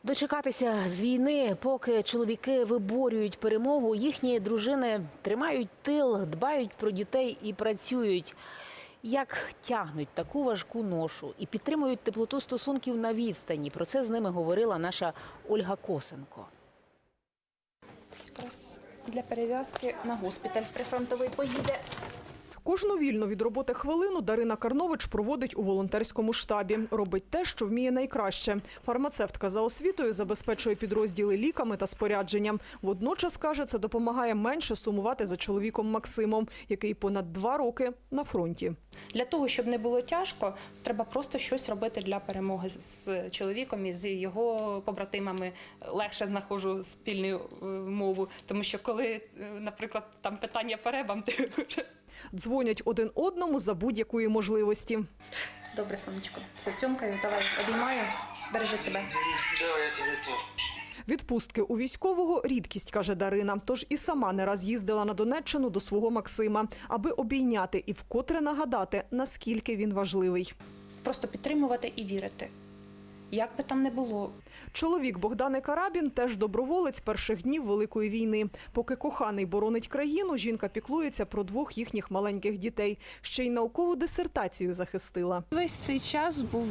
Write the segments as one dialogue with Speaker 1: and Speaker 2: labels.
Speaker 1: Дочекатися з війни, поки чоловіки виборюють перемогу, їхні дружини тримають тил, дбають про дітей і працюють. Як тягнуть таку важку ношу і підтримують теплоту стосунків на відстані. Про це з ними говорила наша Ольга Косенко.
Speaker 2: Якраз для перев'язки на госпіталь прифронтовий поїде.
Speaker 3: Кожну вільну від роботи хвилину Дарина Карнович проводить у волонтерському штабі. Робить те, що вміє найкраще. Фармацевтка за освітою забезпечує підрозділи ліками та спорядженням. Водночас, каже, це допомагає менше сумувати за чоловіком Максимом, який понад 2 роки на фронті.
Speaker 2: Для того, щоб не було тяжко, треба просто щось робити для перемоги з чоловіком і з його побратимами. Легше знаходжу спільну мову, тому що коли, наприклад, там питання по ребам, ти вже...
Speaker 3: Дзвонять один одному за будь-якої можливості.
Speaker 2: Добре, сонечко, все, цьомкаю, давай, обіймаю, бережи себе.
Speaker 3: Відпустки у військового – рідкість, каже Дарина. Тож і сама не раз їздила на Донеччину до свого Максима, аби обійняти і вкотре нагадати, наскільки він важливий.
Speaker 2: Просто підтримувати і вірити. Як би там не було.
Speaker 3: Чоловік Богдани Карабін теж доброволець перших днів Великої війни. Поки коханий боронить країну, жінка піклується про 2 їхніх маленьких дітей. Ще й наукову дисертацію захистила.
Speaker 4: Весь цей час був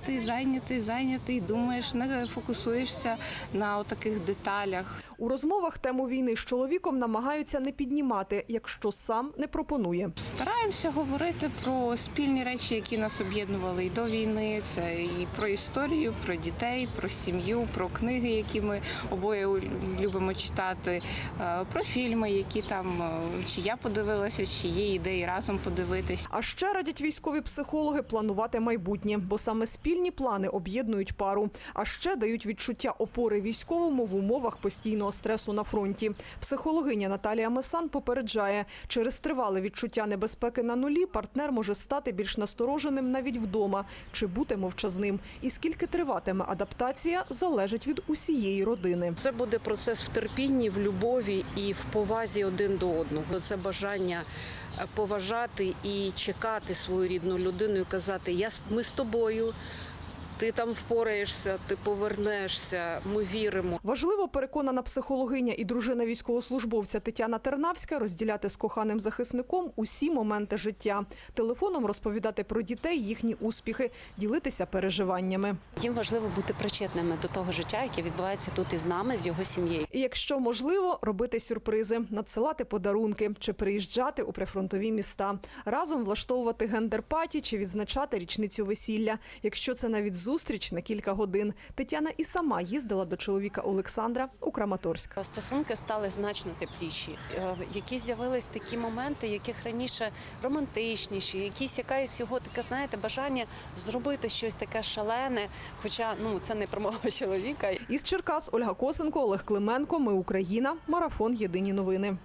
Speaker 4: зайнятий, думаєш, не фокусуєшся на таких деталях.
Speaker 3: У розмовах тему війни з чоловіком намагаються не піднімати, якщо сам не пропонує.
Speaker 4: Стараємося говорити про спільні речі, які нас об'єднували і до війни. Це і про історію, про дітей, про сім'ю, про книги, які ми обоє любимо читати, про фільми, які там чи я подивилася, чи є ідеї разом подивитись.
Speaker 3: А ще радять військові психологи планувати майбутнє, бо саме спільні плани об'єднують пару. А ще дають відчуття опори військовому в умовах постійного стресу на фронті. Психологиня Наталія Месан попереджає, через тривале відчуття небезпеки на нулі партнер може стати більш настороженим навіть вдома чи бути мовчазним. І скільки триватиме адаптація, залежить від усієї родини.
Speaker 5: Це буде процес в терпінні, в любові і в повазі один до одного. Це бажання поважати і чекати свою рідну людину і казати: ми з тобою. Ти там впораєшся, ти повернешся, ми віримо.
Speaker 3: Важливо, переконана психологиня і дружина військовослужбовця Тетяна Тернавська, розділяти з коханим захисником усі моменти життя. Телефоном розповідати про дітей, їхні успіхи, ділитися переживаннями.
Speaker 6: Їм важливо бути причетними до того життя, яке відбувається тут із нами, з його сім'єю.
Speaker 3: І якщо можливо, робити сюрпризи, надсилати подарунки чи приїжджати у прифронтові міста. Разом влаштовувати гендер-паті чи відзначати річницю весілля. Якщо це навіть зустріч на кілька годин. Тетяна і сама їздила до чоловіка Олександра у Краматорськ.
Speaker 6: Стосунки стали значно тепліші. Якісь з'явились такі моменти, яких раніше романтичніші, якась його таке, знаєте, бажання зробити щось таке шалене, хоча це не про мого чоловіка.
Speaker 3: Із Черкас Ольга Косенко, Олег Клименко. Ми Україна. Марафон. Єдині новини.